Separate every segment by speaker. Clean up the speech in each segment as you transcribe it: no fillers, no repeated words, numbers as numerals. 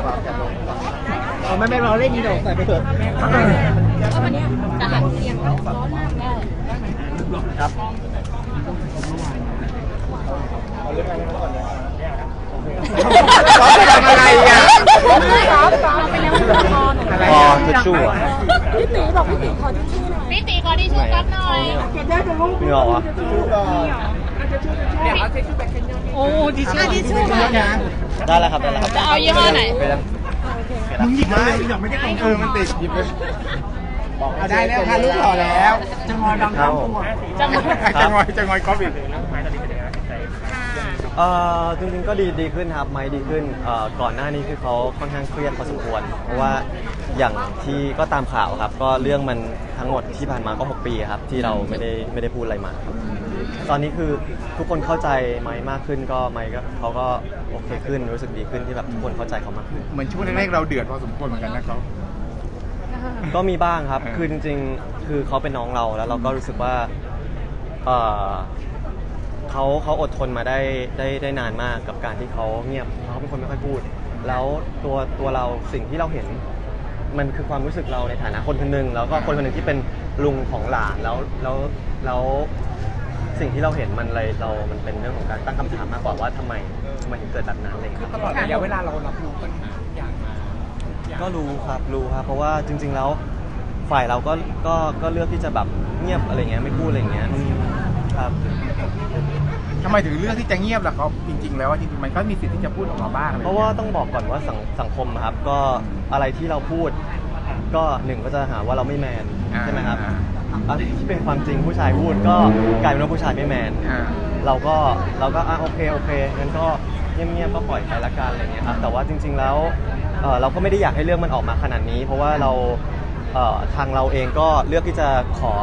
Speaker 1: ไม่เราเล่นนี่เราใส่ไปเถอะ
Speaker 2: จะหันเสียงร้อนมากได้
Speaker 1: ครับซ้อมไปทำอะไรอ่ะ
Speaker 2: ซ้อมไปแล้ว
Speaker 1: พอทิชชู่
Speaker 2: พี่ตีบอกพี่ตีขอทิชชู่หน่อยพี่ตีขอทิชชู่ก๊อฟหน่อย
Speaker 1: มีหรอวะ
Speaker 2: โอ้ทิชชู่ทิชชู่
Speaker 1: ได้แล้วครับได้แล้วครับ
Speaker 2: จะเอายี่ห้อไหน
Speaker 1: มึงหยิบมาเลยหยิบไม่ได้มันติดหยิบเลยบอกได้แล้วค่ะลูกหล่อแล้วจะงอยบางครั้งจะงอยก๊อฟอีกจริงๆก็ดีขึ้นครับไม้ดีขึ้นก่อนหน้านี้คือเขาค่อนข้างเครียดพอสมควรเพราะว่าอย่างที่ก็ตามข่าวครับก็เรื่องมันทั้งหมดที่ผ่านมาก็6 ปีครับที่เราไม่ได้พูดอะไรมาตอนนี้คือทุกคนเข้าใจไม้มากขึ้นก็ไม้ก็เขาก็โอเคขึ้นรู้สึกดีขึ้นที่แบบทุกคนเข้าใจเขามากขึ้น
Speaker 3: เหมือนช่วงแรกๆเราเดือดพอสมควรเหมือนกันนะครับ
Speaker 1: ก็มีบ้างครับคือจริงๆคือเขาเป็นน้องเราแล้วเราก็รู้สึกว่าเขาอดทนมาได้นานมากกับการที่เขาเงียบเขาเป็นคนไม่ค่อยพูดแล้วตัวเราสิ่งที่เราเห็นมันคือความรู้สึกเราในฐานะคนคนหนึ่งแล้วก็คนคนหนึ่งที่เป็นลุงของหลานแล้วสิ่งที่เราเห็นมันมันเป็นเรื่องของการตั้งคำถามมากกว่าว่าทำไมถึงเกิดแบบนั้นเลย
Speaker 3: คือตลอดระยะเวลาเรารับรู้ปัญหาอย่างมา
Speaker 1: ก็รู้ครับเพราะว่าจริงๆแล้วฝ่ายเราก็เลือกที่จะแบบเงียบอะไรเงี้ยไม่พูดอะไรเงี้ยครับ
Speaker 3: ทำไมถึงเลือกที่จะเงียบล่ะครับจริงๆแล้วจริงๆมันก็มีสิทธิ์ที่จะพูดออกมาบ้าง
Speaker 1: เพราะว่าต้องบอกก่อนว่าสังคมครับก็อะไรที่เราพูดก็หนึ่งก็จะหาว่าเราไม่แมนใช่ไหมครับอะไรที่เป็นความจริงผู้ชายพูดก็กลายเป็นว่าผู้ชายไม่แมนเราก็โอเคงั้นก็เงียบๆก็ปล่อยไปละกันอะไรเงี้ยครับแต่ว่าจริงๆแล้วเราก็ไม่ได้อยากให้เรื่องมันออกมาขนาดนี้เพราะว่าเราทางเราเองก็เลือกที่จะ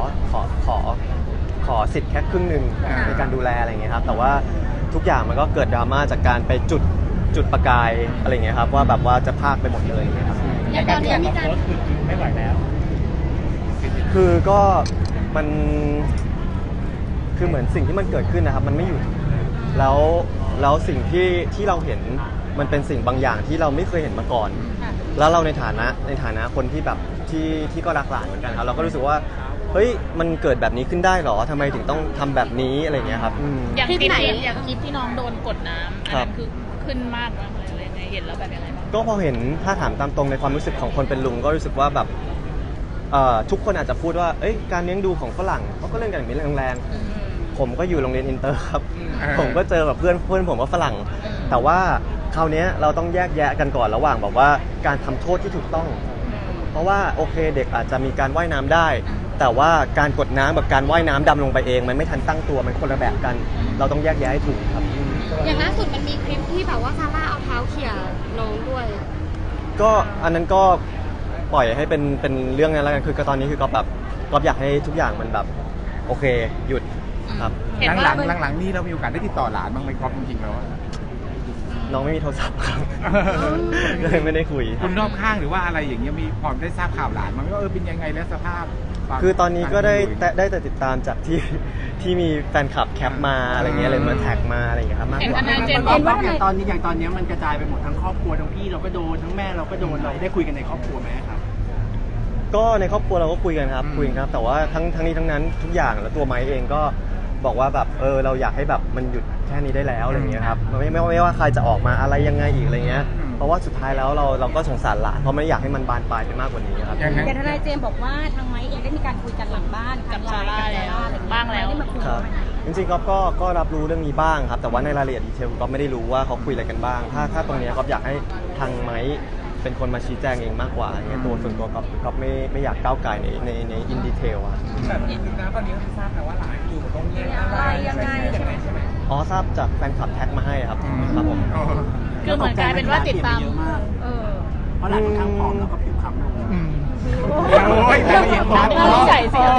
Speaker 1: ขอสิทธิ์แค่ครึ่งหนึ่งในการดูแลอะไรเงี้ยครับแต่ว่าทุกอย่างมันก็เกิดดราม่าจากการไปจุดประกายอะไรเงี้ยครับว่าแบบว่าจะพากไปหมดเลยเงี้ยครับ
Speaker 2: อย่างตอนนี้มีการ
Speaker 1: ไม่ไหวแล้วคือก็มันคือเหมือนสิ่งที่มันเกิดขึ้นนะครับมันไม่หยุดแล้วสิ่งที่เราเห็นมันเป็นสิ่งบางอย่างที่เราไม่เคยเห็นมาก่อนแล้วเราในฐานะคนที่แบบที่ก็รักหลานเหมือนกันครับเราก็รู้สึกว่าเฮ้ยมันเกิดแบบนี้ขึ้นได้หรอทำไมถึงต้องทำแบบนี้อะไรเงี้ยครับ
Speaker 2: อย่างคลิปที่น้องโดนกดน้ำอันนั้นคือขึ้นมากมากเลยอะไรไงเห็นแล้วแบบยังไงบ้าง
Speaker 1: ก็พอเห็นถ้าถามตามตรงในความรู้สึกของคนเป็นลุงก็รู้สึกว่าแบบทุกคนอาจจะพูดว่าการเลี้ยงดูของฝรั่งเขาก็เล่นกันแบบนี้แรงๆผมก็อยู่โรงเรียนอินเตอร์ครับผมก็เจอแบบเพื่อนผมว่าฝรั่งแต่ว่าคราวนี้เราต้องแยกแยะกันก่อนระหว่างแบบว่าการทำโทษที่ถูกต้องเพราะว่าโอเคเด็กอาจจะมีการว่ายน้ำได้แต่ว่าการกดน้ำกับการว่ายน้ำดำลงไปเองมันไม่ทันตั้งตัวมันคนละแบบกันเราต้องแยกแยะให้ถูกครับ
Speaker 2: อย่างล่าสุดมันมีคลิปที่แบบว่าซาร่าเอาเท้าเขี่ยน้องด้วย
Speaker 1: ก็อันนั้นก็ปล่อยให้เป็นเรื่องนั้นแล้วกันคือตอนนี้คือก็อยากให้ทุกอย่างมันแบบโอเคหยุดครับ
Speaker 3: หลังนี่เรามีโอกาสได้ติดต่อหลานบ้างไหมครับจริงๆแล้ว
Speaker 1: น้องไม่มีโทรศัพท์ครับเลยไม่ได้คุย
Speaker 3: คุณรอบข้างหรือว่าอะไรอย่างเงี้ยมีพอได้ทราบข่าวหลานมั้ยว่าเป็นยังไงแล้วสภาพ
Speaker 1: คือตอนนี้ก็ได้แต่ติดตามจากที่มีแฟนคลับแคปมาอะไรเงี้ยเลยมาแท็กมาอะไรอย่างเงี้ยครับมากกว่า
Speaker 4: อย่างตอนนี้มันกระจายไปหมดทั้งครอบครัวทั้งพี่เราก็โดนทั้งแม่เราก็โดนเราได้คุยกันในครอบครัวไหมครับ
Speaker 1: ก็ในครอบครัวเราก็คุยกันครับแต่ว่าทั้งนี้ทั้งนั้นทุกอย่างแล้วตัวไม้เองก็บอกว่าแบบเราอยากให้แบบมันหยุดแค่นี้ได้แล้วอะไรเงี้ยครับไม่ว่าใครจะออกมาอะไรยังไงอีกอะไรเงี้ยเพราะว่าสุดท้ายแล้วเราก็สงสารหลานเพราะไม่อยากให้มันบานปลายไปมากกว่านี้ครับ
Speaker 2: แต่ทนายเจมส์บอกว่าทางไม้เองได้มีการคุยกันหลังบ้านกับซาร่าแล้วบ้างแล้ว
Speaker 1: ครับจริงๆก็รับรู้เรื่องนี้บ้างครับแต่ว่าในรายละเอียดดีเทลก็ไม่ได้รู้ว่าเขาคุยอะไรกันบ้างถ้าตรงนี้ก็อยากให้ทางไม้เป็นคนมาชี้แจงเองมากกว่าตัวส่วนตัวก็ไม่อยากก้าวไก่ในอินดีเทลอะ
Speaker 3: แบบนี้คือตอนนี้ทราบแต่ว่าหลานอยู่ตรงนี้อะไร
Speaker 2: ยังไงใช่ไหม
Speaker 1: ทราบจากแฟนคลับแท็กมาให้ครับผม
Speaker 2: คือเหมือนกลายเป็นว่าติดตาม
Speaker 4: เพราะหลานค่อนข้างผอมแล้วก็ผิวคล้ำลง
Speaker 3: โอ้ย
Speaker 2: ใส่สิ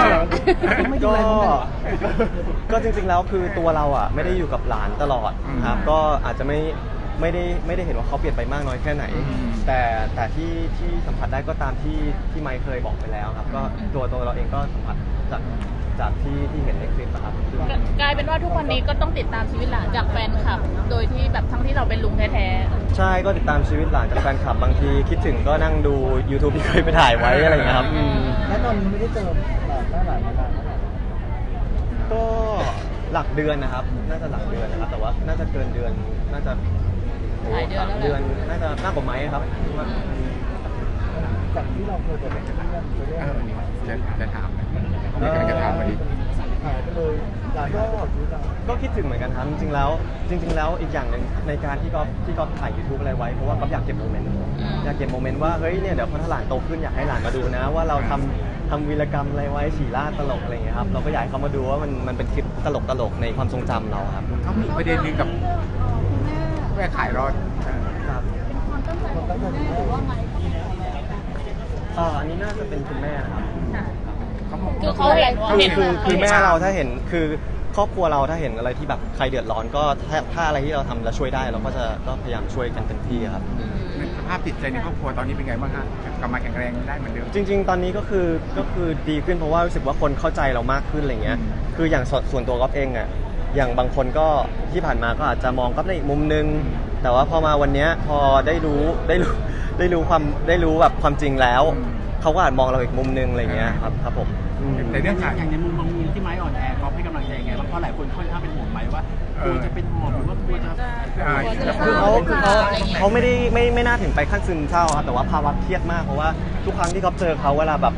Speaker 1: ก็จริงๆแล้วคือตัวเราอ่ะไม่ได้อยู่กับหลานตลอดครับก็อาจจะไม่ได้เห็นว่าเขาเปลี่ยนไปมากน้อยแค่ไหนแต่ที่สัมผัสได้ก็ตามที่ไมค์เคยบอกไปแล้วครับก็ตัวเราเองก็สัมผัสจากที่เห็นในคลิปอะครับ
Speaker 2: กลายเป็นว่าทุกวันนี้ก็ต้องติดตามชีวิตหลานจากแฟนคลับ โดยที่แบบทั้งที่เราเป็นลุงแท้
Speaker 1: ใช่ก็ติดตามชีวิตหลานจากแฟนคลับบางทีคิดถึงก็นั่งดู YouTube ที่เคยไปถ่ายไว้อะไรอย่างเงี้ยครับ
Speaker 5: แล้วตอนนี้ไม่ได้เจอหน้าหลานมานานเท่าไหร่
Speaker 1: ก็หลักเดือนนะครับ น่าจะหลักเดือนนะครับ แต่ว่าน่าจะเกินเดือนน่าจะ
Speaker 2: ๆหลายเดือนแล้ว
Speaker 1: เดือน
Speaker 2: แหละ
Speaker 1: น่าจะมากกว่าไม้ครับ
Speaker 5: จากที่เราเคยเป็นเพื่อนเคยเล่น
Speaker 3: นี่จะถามนะนี่กำลังจะถามพอดี
Speaker 5: หายไปเลยหลายก็ชีวิตเรา
Speaker 1: ก็คิดถึงเหมือนกันครับจริงๆแล้วอีกอย่างหนึ่งในการที่ก๊อฟถ่าย YouTube อะไรไว้เพราะว่าก๊อฟอยากเก็บโมเมนต์อยากเก็บโมเมนต์ว่าเฮ้ยเนี่ยเดี๋ยวพอถ้าหลานโตขึ้นอยากให้หลานมาดูนะ ว่าเราทำวีรกรรมอะไรไว้ฉี่ล่าดตลกอะไรอย่างเงี้ยครับเราก็อยากให้เขามาดูว่ามันเป็นคลิปตลกในความทรงจำเราครับ
Speaker 3: เขามีประเด็นหนึงกับแม่ขายรถ
Speaker 1: ครับ
Speaker 5: คนตั้งใจว่าไง
Speaker 1: อันนี้น่าจะเป็นคุณแม่นะครับ
Speaker 2: คือเขาเห็นว่า
Speaker 1: คือแม่เราถ้าเห็นคือครอบครัวเราถ้าเห็นอะไรที่แบบใครเดือดร้อนก็ถ้าอะไรที่เราทำแล้วช่วยได้เราก็พยายามช่วยกันเต็มที่ครับ
Speaker 3: สภาพจิตใจในครอบครัวตอนนี้เป็นไงบ้างฮะกลับมาแข็งแรงได้เหมือนเดิม
Speaker 1: จริง ๆ ตอนนี้ก็คือดีขึ้นเพราะว่ารู้สึกว่าคนเข้าใจเรามากขึ้นอะไรเงี้ยคืออย่างส่วนตัวก๊อฟเองอ่ะอย่างบางคนก็ที่ผ่านมาก็อาจจะมองก๊อฟในอีกมุมนึงแต่ว่าพอมาวันเนี้ยพอได้รู้แบบความจริงแล้วเขาก็อาจมองเราอีกมุมนึงอะไรเงี้ยครับผม
Speaker 3: แต่เรื่องขาย
Speaker 4: อย่างในมุมของมุมที่ไม้อ่อนแอเขาให้กำลังใจยังไงบ้างเพราะหลายคนค่อนข้างเป็นห่วงไม้ว่ากลัวจะเป็นหอบหรือว่ากลัวจะ
Speaker 1: คือเขาไม่น่าถึงไปขั้นซึมเศร้าครับแต่ว่าภาวะเครียดมากเพราะว่าทุกครั้งที่เขาเจอเขาเวลาแบบ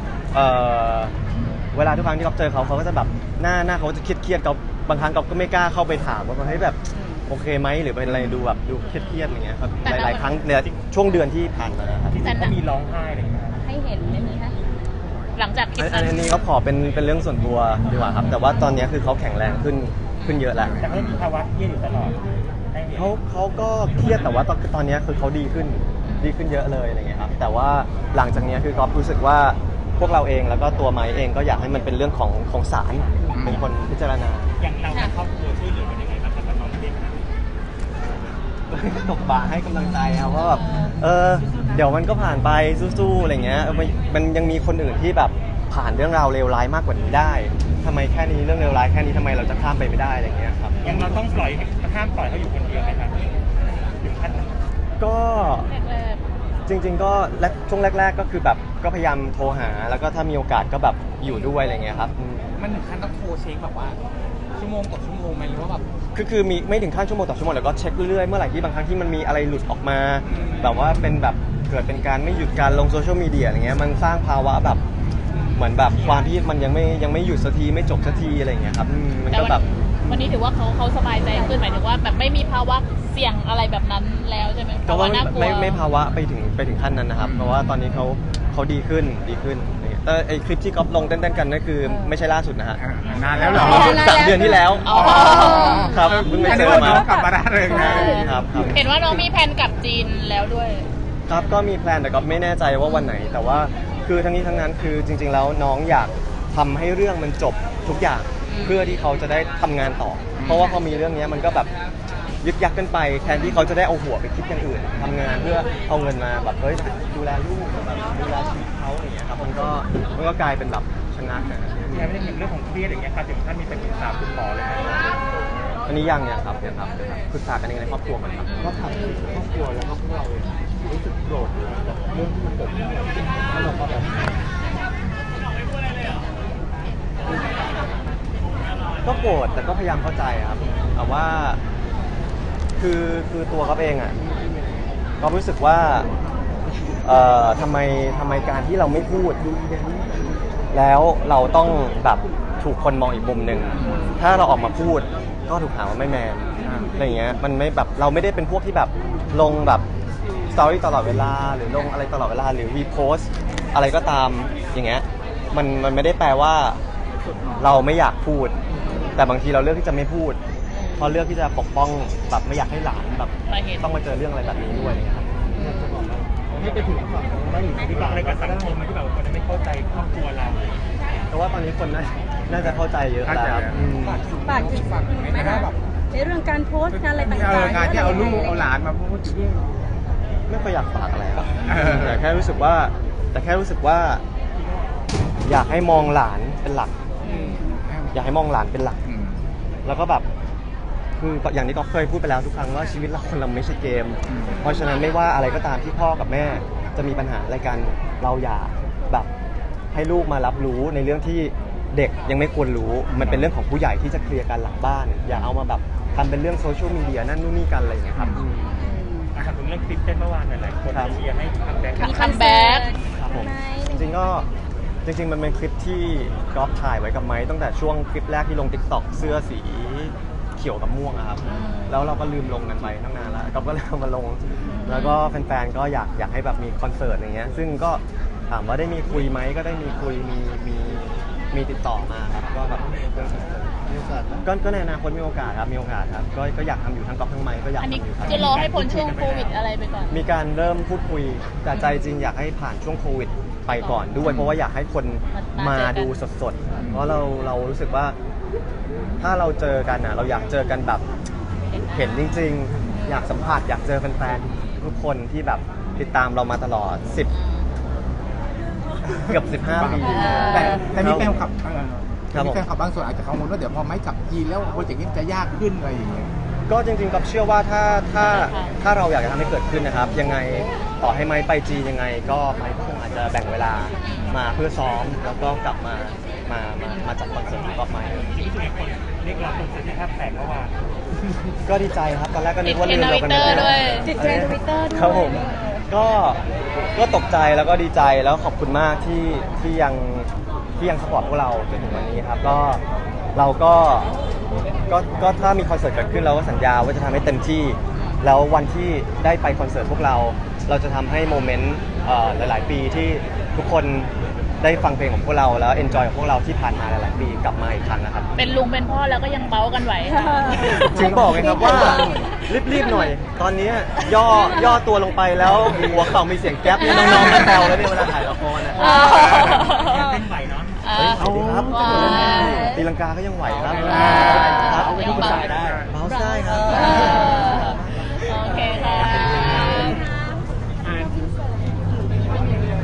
Speaker 1: ทุกครั้งที่เขาเจอเขาก็จะแบบหน้าเขาจะเครียดเขาบางครั้งเขาก็ไม่กล้าเข้าไปถามว่าเฮ้ยแบบโอเคไหมหรือเป็นอะไรดูแบบดูเครียดๆอย่างเงี้ยครับหลายๆครั้งในช่วงเดือนที่ผ่านมานะครับ
Speaker 2: แต่
Speaker 5: ก็มีร้องไห้อะไรอย่างเงี้ย
Speaker 2: ให้เห็นไม่มีคะหลังจากคลิปนั้น
Speaker 1: อันนี้เขาขอเป็นเรื่องส่วนตัวดีกว่าครับแต่ว่าตอนนี้คือเขาแข็งแรงขึ้นเยอะแล้ว
Speaker 5: แต่ก็มีภาวะเครียดอยู่ตลอดให้เห็น
Speaker 1: เขาก็เครียดแต่ว่าตอนนี้คือเขาดีขึ้นเยอะเลยอะไรเงี้ยครับแต่ว่าหลังจากนี้คือก๊อฟรู้สึกว่าพวกเราเองแล้วก็ตัวไม้เองก็อยากให้มันเป็นเรื่องของศาลเป็นคนพิจารณา
Speaker 5: อย่างเรากับครอบครัวช่วยเหลือกันยังไงบ้างครับกับน้องเด็กนะ
Speaker 1: ตบบ่าให้กำลังใจครับว่าแบบเดี๋ยวมันก็ผ่านไปสู้ๆอะไรเงี้ยมันยังมีคนอื่นที่แบบผ่านเรื่องราวเลวร้ายมากกว่านี้ได้ทำไมแค่นี้เรื่องเลวร้ายแค่นี้ทำไมเราจะข้ามไปไม่ได้อะไรเงี้ยครับ
Speaker 5: อย่างเราต้องห้ามปล่อยเขาอยู่คนเดียวไหมครับถึงขั้นนั้น
Speaker 1: ก็
Speaker 2: แรก
Speaker 1: จริงๆก็ช่วงแรกๆก็คือแบบก็พยายามโทรหาแล้วก็ถ้ามีโอกาสก็แบบอยู่ด้วยอะไรเงี้ยครับ
Speaker 6: มันถึงขั้นต้องโทรเช็คแบบว่าชั่วโมงต่อชั่วโมงไหมหรือว่าแบบ
Speaker 1: คือมีไม่ถึงขั้นชั่วโมงต่อชั่วโมงแล้วก็เช็คเรื่อยๆเมื่อไหร่ที่บางครั้งที่มันมีอะไรหลุดออกมาแบบว่าเป็นแบบเกิดเป็นการไม่หยุดการลงโซเชียลมีเดียอะไรเงี้ยมันสร้างภาวะแบบเหมือนแบบความที่มันยังไม่หยุดสักทีไม่จบสักทีอะไรเงี้ยครับมัน
Speaker 2: แต่
Speaker 1: ก็แบบ
Speaker 2: วันนี้ถือว่าเขาสบายใจขึ้นหมายถึงว่าแบบไม่มีภาวะเสี่ยงอะไรแบบนั้นแล้วใช่ไหม
Speaker 1: ก็ว่า
Speaker 2: น่ากลัว
Speaker 1: ไม่ภาวะไปถึงขั้นนั้นนะครับเพราะว่าตอนนี้เขาดีขึ้นอะไรเงี้ยแต่ไอคลิปที่ก๊อฟลงเต้นๆกันนั่นคือไม่ใช่ล่าสุดนะฮะ
Speaker 3: นานแล้วเหรอ
Speaker 1: 3 เดือนที่แล้ว
Speaker 2: อ๋อ
Speaker 1: ครับเพิ่งไปเจอ
Speaker 3: ว่า
Speaker 1: มา
Speaker 3: น้องกลับมาได้เลยนะครับ
Speaker 2: เห็นว่าน้องมีแผนกลับจีนแล้วด้วย
Speaker 1: ครับก็มีแพลนแต่ก็ไม่แน่ใจว่าวันไหน แต่ว่าคือทั้งนี้ทั้งนั้นคือจริง ๆ แล้วน้องอยากทำให้เรื่องมันจบทุกอย่างเพื่อที่เขาจะได้ทำงานต่อ เพราะว่าพอมีเรื่องนี้มันก็แบบยึกยักกันไปแทนที่เขาจะได้เอาหัวไปคิดอย่างอื่นทำงานเพื่อเอาเงินมาแบบเฮ้ยดูแลลูกแบบดูแลชีวิตเขาอย่างเงี้ยครับมันก็กลายเป็นแบบชะงักนะ
Speaker 5: ยังไม่ได้เห็นเรื่องของเครียดอย่างเงี้ยครับถึงขั้นมีไปปรึกษาคุณหมอเลยนะ
Speaker 1: อันนี้ยังเนี่ยครับปรึกษากันเองในครอบครัวก่อนครับ
Speaker 5: ก็ถามถึงครอบครัวแล้วก็พวกเราเองรู้สึกโกรธกับเรื่องที่มันเกิดขึ้นแล้วเราก็แบบ
Speaker 1: ก็โกรธแต่ก็พยายามเข้าใจครับแต่ว่าคือตัวเขาเองอ่ะก็รู้สึกว่าทำไมการที่เราไม่พูด แล้วเราต้องแบบถูกคนมองอีกมุมหนึ่งถ้าเราออกมาพูดก็ถูกหาว่าไม่แมนอะไรเงี้ยมันไม่แบบเราไม่ได้เป็นพวกที่แบบลงแบบสตอรี่ตลอดเวลาหรือลงอะไรตลอดเวลาหรือรีโพสอะไรก็ตามอย่างเงี้ยมันไม่ได้แปลว่าเราไม่อยากพูดแต่บางทีเราเลือกที่จะไม่พูดเพราะเลือกที่จะปกป้องแบบไม่อยากให้หลานแบบต้องมาเจอเรื่องอะไรแบบนี้ด้วยอะไรเงี้ยครับ
Speaker 5: ให้ไปถึงฝั่งไม่หรือที่บ้านอะไรกับสังคมมันที่แบบคนไม่เข้าใจครอบครัวเรา
Speaker 1: เพราะว่าตอนนี้คนน่าจะเข้าใจเยอะแล้วครับ
Speaker 7: ฝากถึงไหมคะในเรื่องการโพสต์การอะไรต่างๆ
Speaker 3: การที่เอาลูกเอาหลานมาพูดถึง
Speaker 1: ไม่ค่อยอยากฝากอะไรครับ
Speaker 3: เออ
Speaker 1: แต่แค่รู้สึกว่าอยากให้มองหลานเป็นหลักอยากให้มองหลานเป็นหลัก แล้วก็แบบคืออย่างที่ก็เคยพูดไปแล้วทุกครั้งว่าชีวิตเราคนเราไม่ใช่เกม เพราะฉะนั้นไม่ว่าอะไรก็ตามที่พ่อกับแม่จะมีปัญหาอะไรกันเราอย่าแบบให้ลูกมารับรู้ในเรื่องที่เด็กยังไม่ควรรู้มันเป็นเรื่องของผู้ใหญ่ที่จะเคลียร์กันหลังบ้าน อย่าเอามาแบบทำเป็นเรื่องโซเชียลมีเดียนั่นนู่นนี่กันอะไรอย่างเงี้ยครับ
Speaker 5: ถามถึงเรื่องคลิปเต้นเมื่อวานหน่อยหลายคน
Speaker 1: ครับ
Speaker 5: เชียร์ให้คัมแบ็ก
Speaker 2: มีคัมแบ็ก
Speaker 1: ครับผมจริงๆก็จริงๆมันเป็นคลิปที่ก๊อฟถ่ายไว้กับไม้ตั้งแต่ช่วงคลิปแรกที่ลง TikTok เสื้อสีเขียวกับม่วงอะครับแล้วเราก็ลืมลงกันไปตั้งนานแล้วก๊อฟก็เลยเอามาลง แล้วก็แฟนๆก็อยากให้แบบมีคอนเสิร์ตอย่างเงี้ยซึ่งก็ถามว่าได้มีคุยไหมก็ได้มีคุยมีติดต่อมาครับก็แบบเรื่องคอนเสิร์ตก็ในอนาคตมีโอกาสครับก็อยากทำอยู่ทั้งก๊อฟทั้งไม้ก็อยาก
Speaker 2: อันนี้
Speaker 1: ทำอยู่ครับ
Speaker 2: จะรอให้พ้นช่วงโควิดอะไรไปก่อน
Speaker 1: มีการเริ่มพูดคุยแต่ใจจริงอยากให้ผ่านช่วงโควิดไปก่อนด้วยเพราะว่าอยากให้คนมาดูสดๆเพราะเรารู้สึกว่าถ้าเราเจอกันเราอยากเจอกันแบบเห็นจริงๆอยากสัมผัสอยากเจอแฟนๆทุกคนที่แบบติดตามเรามาตลอดเกือบ15 ปี
Speaker 3: แต่มีแฟนคลับ
Speaker 1: ครับผม
Speaker 3: มีแฟนคลับบางส่วนอาจจะกังวลว่าเดี๋ยวพอไม่จับยีนแล้วโปรเจกต์นี้จะยากขึ้นอะไรอย่างเงี้ย
Speaker 1: ก็จริงๆกับเชื่อว่าถ้าเราอยากจะทำให้เกิดขึ้นนะครับ ยังไงต่อให้ไม้ไปจีนยังไงก็ไม้ก็คงอาจจะแบ่งเวลามาเพื่อซ้อมแล้วก็กลับมาจัดคอนเสิร์ตของก๊อฟไม้
Speaker 5: จริงๆคนเรียกร้องคอนเสิร์ตที่แทบแตกเมื่อวาน
Speaker 1: ก็ดีใจครับตอนแรกก็นึกว่าลืมเรากัน
Speaker 2: ติดเทรนด์ Twitter ด้วย
Speaker 7: ติดเทรนด์ Twitter ด้วย
Speaker 1: ครับผมก็ตกใจแล้วก็ดีใจแล้วขอบคุณมากที่ยังสปอร์ตพวกเราจนถึงวันนี้ครับก็เราก็ถ้ามีคอนเสิร์ตเกิดขึ้นเราก็สัญญาว่าจะทำให้เต็มที่แล้ววันที่ได้ไปคอนเสิร์ตพวกเราจะทำให้โมเมนต์หลายๆปีที่ทุกคนได้ฟังเพลงของพวกเราแล้วเอนจอยกับพวกเราที่ผ่านมาหลายๆปีกลับมาอีกครั้งนะครับ
Speaker 2: เป็นลุงเป็นพ่อแล้วก็ยังเบ้ากันไหวค่ะ
Speaker 1: ถึงบอกไงครับว่ารีบๆหน่อย ตอนนี้ย่อตัวลงไปแล้วหัวเข่ามีเสียงแก๊ปเนี่ยน้องๆก็แซวแล้วเนี่ยเวลาถ่ายละครนะ
Speaker 5: เต้นไหวเนาะ
Speaker 1: เฮ้ยเอาดีครับตีลังกาก็ยังไหวครับ
Speaker 2: ว้าว
Speaker 1: ครับ
Speaker 2: เอาไปที่ภาษาได้
Speaker 1: เบาได้ครับ